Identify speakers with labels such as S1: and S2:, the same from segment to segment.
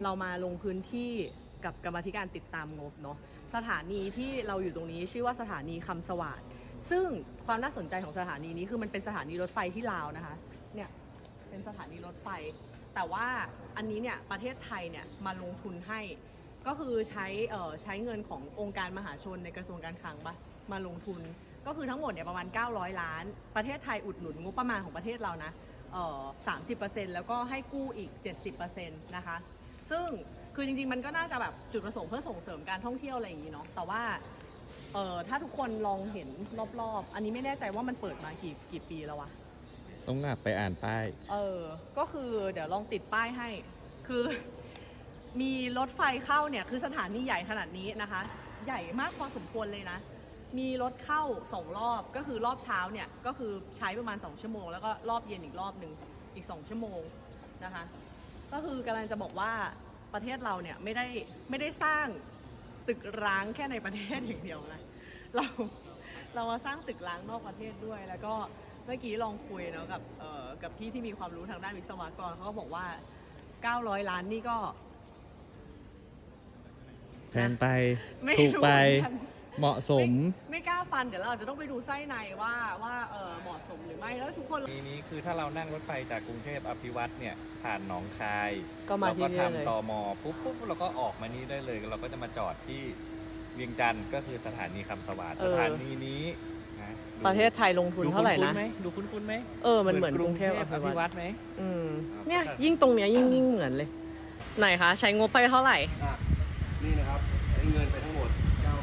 S1: เรามาลงพื้นที่กับกรรมาธิการติดตามงบเนาะสถานีที่เราอยู่ตรงนี้ชื่อว่าสถานีคำสวัสดิ์ซึ่งความน่าสนใจของสถานีนี้คือมันเป็นสถานีรถไฟที่ลาวนะคะเนี่ยเป็นสถานีรถไฟแต่ว่าอันนี้เนี่ยประเทศไทยเนี่ยมาลงทุนให้ก็คือใช้เงินขององค์การมหาชนในกระทรวงการคลังมาลงทุนก็คือทั้งหมดเนี่ยประมาณ900 ล้านประเทศไทยอุดหนุนงบประมาณของประเทศเรานะ30%แล้วก็ให้กู้อีก 70% นะคะซึ่งคือจริงๆมันก็น่าจะแบบจุดประสงค์เพื่อส่งเสริมการท่องเที่ยวอะไรอย่างนี้เนาะแต่ว่าถ้าทุกคนลองเห็นรอบๆอันนี้ไม่แน่ใจว่ามันเปิดมากี่ปีแล้ววะ
S2: ต้องกลับไปอ่านป้าย
S1: ก็คือเดี๋ยวลองติดป้ายให้คือมีรถไฟเข้าเนี่ยคือสถานีใหญ่ขนาดนี้นะคะใหญ่มากพอสมควรเลยนะมีรถเข้า2 รอบก็คือรอบเช้าเนี่ยก็คือใช้ประมาณ2 ชั่วโมงแล้วก็รอบเย็นอีกรอบหนึ่งอีก2 ชั่วโมงนะคะก็คือกำลังจะบอกว่าประเทศเราเนี่ยไม่ได้สร้างตึกร้างแค่ในประเทศอย่างเดียวนะเรามาสร้างตึกร้างนอกประเทศด้วยแล้วก็เมื่อกี้ลองคุยเนาะกับพี่ที่มีความรู้ทางด้านวิศวกรเขาก็บอกว่า900 ล้านนี่ก็
S2: แพงไปถูกไปเหมาะสม
S1: ไม่กล้าฟันเดี๋ยวเราอาจจะต้องไปดูไส้ในว่าเหมาะสมหรือไม่แล้วทุกคน
S3: นี้คือถ้าเรานั่งรถไฟจากกรุงเทพอภิวัตเนี่ยผ่านหนองคาย
S1: ก็มาที่นี่เลย
S3: เราก็ทำตม.ปุ๊บเราก็ออกมานี่ได้เลยเราก็จะมาจอดที่เวียงจันทร์ก็คือสถานีคำสวัสดิ์สถานีนี้นะ
S1: ประเทศไทยลงทุนเท่าไหร่นะ
S3: ดูคุ้นไหม
S1: มันเหมือนกรุงเทพอภิวัต
S3: ไหม
S1: เนี่ยยิ่งตรงเนี้ยยิ่งเหมือนเลยไหนคะใช้งบไปเท่าไหร่
S4: นี่นะครับใช้เงินไปทั้งหมด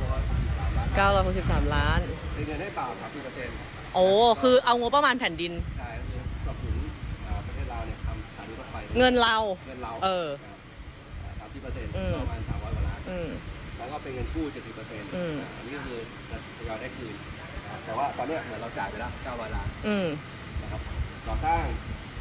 S1: 963 ล้าน
S4: ใช้เงินให้เปล่า30%
S1: โอ้คือเอางบประมาณแผ่นดิน
S4: ใช่คือสนับสนุนประเทศเราเนี่ยทำสถานีรถไฟ
S1: เงินเรา
S4: 30%ประมาณ300 กว่าล้านแล้วก็เป็นเงินกู้ 70%อันนี้ก็คือจะทยอยได้คืนแต่ว่าตอนนี้เหมือนเราจ่ายไปแล้ว900 ล้านนะครับก่อสร้าง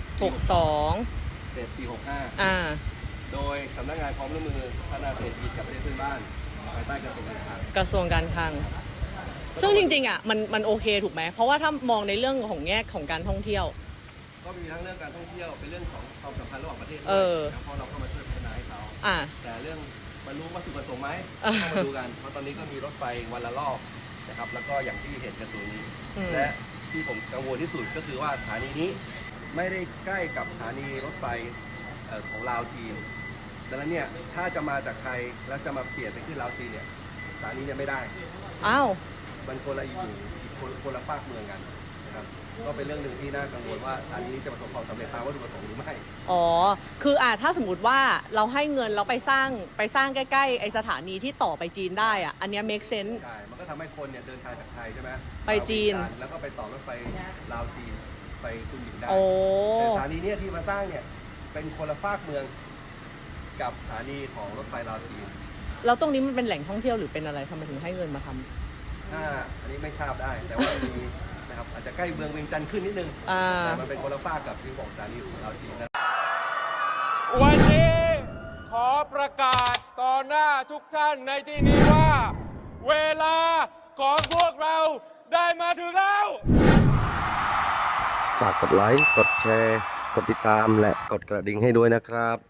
S1: 62
S4: เสร็จปี65โดยสำนักงานความร่วมมือพัฒนาเศรษฐกิจกับประเทศเพื่อนบ้านภายใต้กระทรวงการค
S1: ลังซึ่งจริงๆอ่ะมันโอเคถูกไหมเพราะว่าถ้ามองในเรื่องของแง่ของการท่องเที่ยว
S4: ก็มีทั้งเรื่องการท่องเที่ยวเป็นเรื่องของความสัมพันธ์ระหว่างประเทศด้วยเพราะเราเข้ามาช่วยพัฒนาให้เขาแต่เรื่องบรรลุวัตถุประสงค์ไหมต้องมาดูกันเพราะตอนนี้ก็มีรถไฟวันละรอบนะครับแล้วก็อย่างที่เห็นกันตรงนี้และที่ผมกังวลที่สุดก็คือว่าสถานีนี้ไม่ได้ใกล้กับสถานีรถไฟของลาวจีนดังนั้นเนี่ยถ้าจะมาจากไทยแล้วจะมาเปลี่ยนไปขึ้นลาวจีนเนี่ยสถานีเนี่ยไม่ได้มันคนละอยู่คนละฝากเมืองกันนะครับก็เป็นเรื่องหนึ่งที่น่ากังวลว่าสถานีนี้จะประสบความสำเร็จตามวัตถุประสงค์หรือไม่
S1: คือถ้าสมมติว่าเราให้เงินเราไปสร้างใกล้ๆไอสถานีที่ต่อไปจีนได้อันนี้ make sense
S4: ใช่มันก็ทำให้คนเนี่ยเดินทางจากไทยใช่ไหม
S1: ไปจีน
S4: แล้วก็ไปต่อรถไฟลาวจีนไปคุณหญิงได้แต่สถานีเนี่ยที่มาสร้างเนี่ยเป็นคนละฝากเมืองกับสถานีของรถไฟลาวจีน
S1: แล้วตรงนี้มันเป็นแหล่งท่องเที่ยวหรือเป็นอะไรทำไมถึงให้เงินมาท
S4: ำอันนี้ไม่ทราบได้แต่ว่ามีนะครับอาจจะใกล้เมืองเวียงจันทร์ขึ้นนิดนึงแต่มันเป็นคนละฝากกับที่บอกสถานีของลาวจีนนะ
S5: วันนี้ขอประกาศต่อหน้าทุกท่านในที่นี้ว่าเวลาของพวกเราได้มาถึงแล้ว
S4: ฝากกดไลค์กดแชร์กดติดตามและกดกระดิ่งให้ด้วยนะครับ